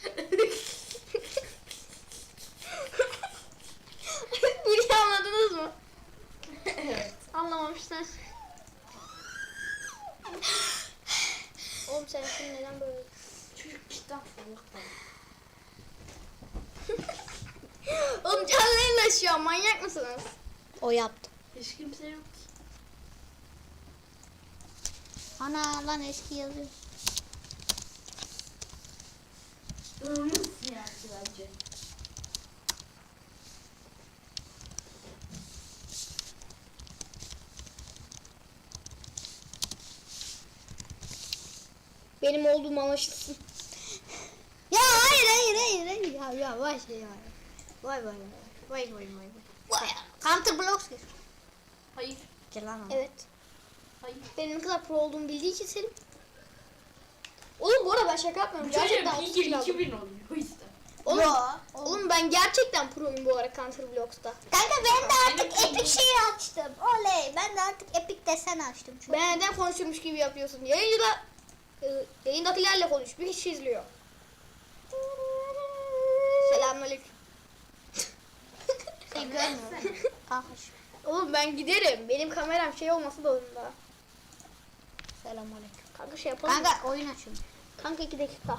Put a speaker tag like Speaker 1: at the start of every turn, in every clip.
Speaker 1: Bunu anladınız mı?
Speaker 2: Evet.
Speaker 1: Anlamamışlar. Oğlum sen şimdi neden böyle?
Speaker 2: Çocuk kitap falan.
Speaker 1: Oğlum canlı yayınlaşıyor, manyak mısınız?
Speaker 3: O yaptı.
Speaker 2: Hiç kimse yok ki.
Speaker 3: Ana lan eski yazıyor.
Speaker 2: Nasıl yani bence?
Speaker 1: Benim olduğum anlaşılsın.
Speaker 3: Ya hayır. Ya vay şey ya. Vay. Counter blocks gir.
Speaker 2: Hayır.
Speaker 3: Gel lan.
Speaker 1: Evet.
Speaker 2: Hayır.
Speaker 1: Benim ne kadar pro olduğumu bildiği için Selim. Oğlum bu arada ben şaka yapmıyorum. Gerçekten 30
Speaker 2: Çocuk
Speaker 1: kilo aldım.
Speaker 2: 2000 oluyor o yüzden.
Speaker 1: Oğlum,
Speaker 3: Yo.
Speaker 1: oğlum ben gerçekten proyum bu ara Counter Blocks'ta.
Speaker 3: Kanka ben de
Speaker 2: Benim
Speaker 3: artık epic
Speaker 2: bildiğim-
Speaker 3: şeyi açtım. Oley. Ben de artık epic desen açtım. Çok
Speaker 1: Ben neden konuşurmuş gibi yapıyorsun? Yayındakilerle konuş. Bir kişi izliyor. Selamünaleyküm.
Speaker 3: şey görmüyorum. Kanka şu.
Speaker 1: Oğlum ben giderim. Benim kameram şey olması zorunda.
Speaker 3: Selamünaleyküm.
Speaker 1: Kanka şey yapalım.
Speaker 3: Kanka oyun açıyorum.
Speaker 1: Kanka 2 dakika.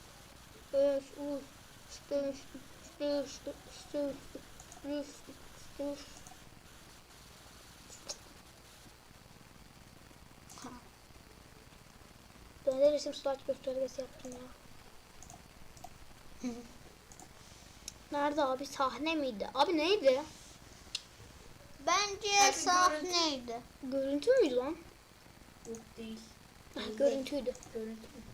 Speaker 1: Ben de resim slide göstergesi yaptım ya. Nerede abi? Sahne miydi? Abi neydi?
Speaker 3: Bence
Speaker 2: Kanka
Speaker 3: sahneydi.
Speaker 1: Görüntü müydü lan?
Speaker 2: Yok değil.
Speaker 1: Görüntüydü.
Speaker 2: Görüntü mü?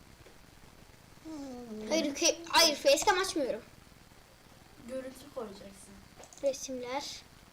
Speaker 1: Hayır facecam açmıyorum.
Speaker 2: Görüntü koyacaksın.
Speaker 1: Resimler.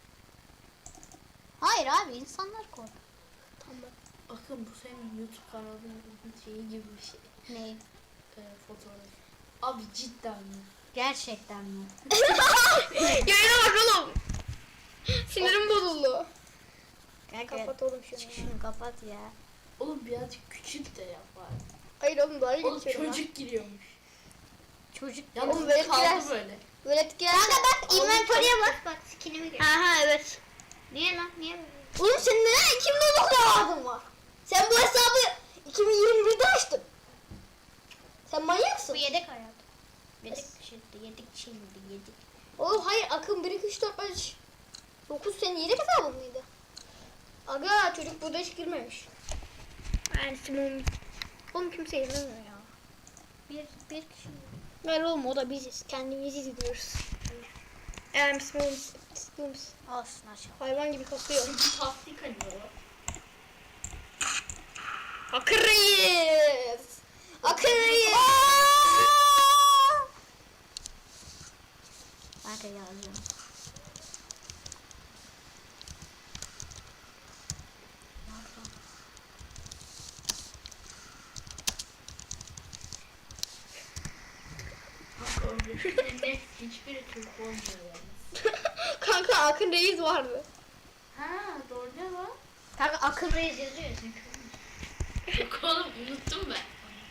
Speaker 3: Hayır abi insanlar koy.
Speaker 1: Tamam.
Speaker 2: Bakın bu senin YouTube kanalının şeyi gibi bir şey.
Speaker 3: Ne?
Speaker 2: Fotoğraf. Abi cidden mi?
Speaker 3: Gerçekten mi?
Speaker 1: Yayına bak oğlum. Sinirim bozuldu.
Speaker 3: Kanka
Speaker 1: Kapat oğlum şunu.
Speaker 3: şunu kapat ya.
Speaker 2: Oğlum birazcık küçük de yap bari.
Speaker 1: Hayır oğlum daha iyi
Speaker 2: Oğlum
Speaker 1: geçiyorum ben.
Speaker 2: çocuk giriyormuş.
Speaker 3: Çocuk.
Speaker 2: Ya
Speaker 1: Oğlum
Speaker 2: oğlum
Speaker 1: böyle
Speaker 2: kaldı
Speaker 1: biraz-
Speaker 2: böyle.
Speaker 1: Böyle etkiler.
Speaker 3: Kanka bak
Speaker 1: Oğlum,
Speaker 3: inventory'e bak. Bak skinimi gör.
Speaker 1: Aha evet.
Speaker 3: Niye lan? Niye?
Speaker 1: Oğlum senin neden 2019'da vardın var? Sen bu hesabı 2021'de açtın. Sen manyaksın.
Speaker 3: Bu yedek hayat. Yedek şimdi yedik.
Speaker 1: Oğlum hayır Akın 1 2 3 4 5 9 senin yedek hesabın mıydı? Aga çocuk burada hiç girmemiş. Yani Simon. Oğlum kimse izlemiyor ya.
Speaker 3: Bir kişi.
Speaker 1: Ver oğlum o da biziz. Kendimizi izliyoruz. Simon.
Speaker 3: Olsun aşağı.
Speaker 1: Hayvan gibi kasıyor.
Speaker 2: Tasdik hani
Speaker 1: Akın Reis. Akın Reis.
Speaker 3: Kanka yazıyorum.
Speaker 2: Net hiçbiri Türk olmuyor yani.
Speaker 1: Kanka Akın Reis vardı.
Speaker 2: Ha doğru ne lan?
Speaker 3: Kanka akıl reis yazıyor çünkü.
Speaker 2: Yok oğlum unuttum ben.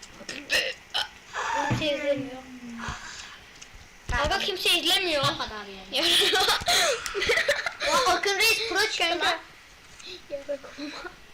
Speaker 1: Kimse izlemiyor. Kanka kimse izlemiyor.
Speaker 3: Ne kadar yani. Ya akıl reis pro çıktı lan.
Speaker 1: Kanka. Yarak olma.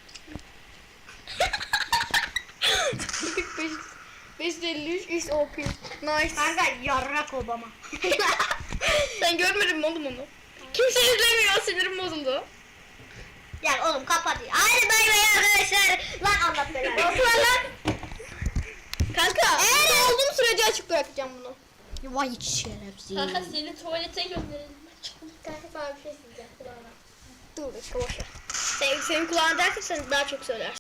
Speaker 1: 553 is OP. Nice.
Speaker 3: Kanka yarrak Obama.
Speaker 1: Sen görmedin mi oğlum onu? Kimse izlemiyor, sinirim bozuldu.
Speaker 3: Ya oğlum kapat. Hadi bay bay arkadaşlar. Lan Allah belanı.
Speaker 1: Lan. Kanka, eğer olduğum sürece açık bırakacağım bunu.
Speaker 3: Vay şerefsiz.
Speaker 2: Kanka seni tuvalete gönderelim.
Speaker 1: Kanka sana bir şey söyleyeceğim kulağına. Dur, boş ver. Senin kulağına dersen sen daha çok söylersin.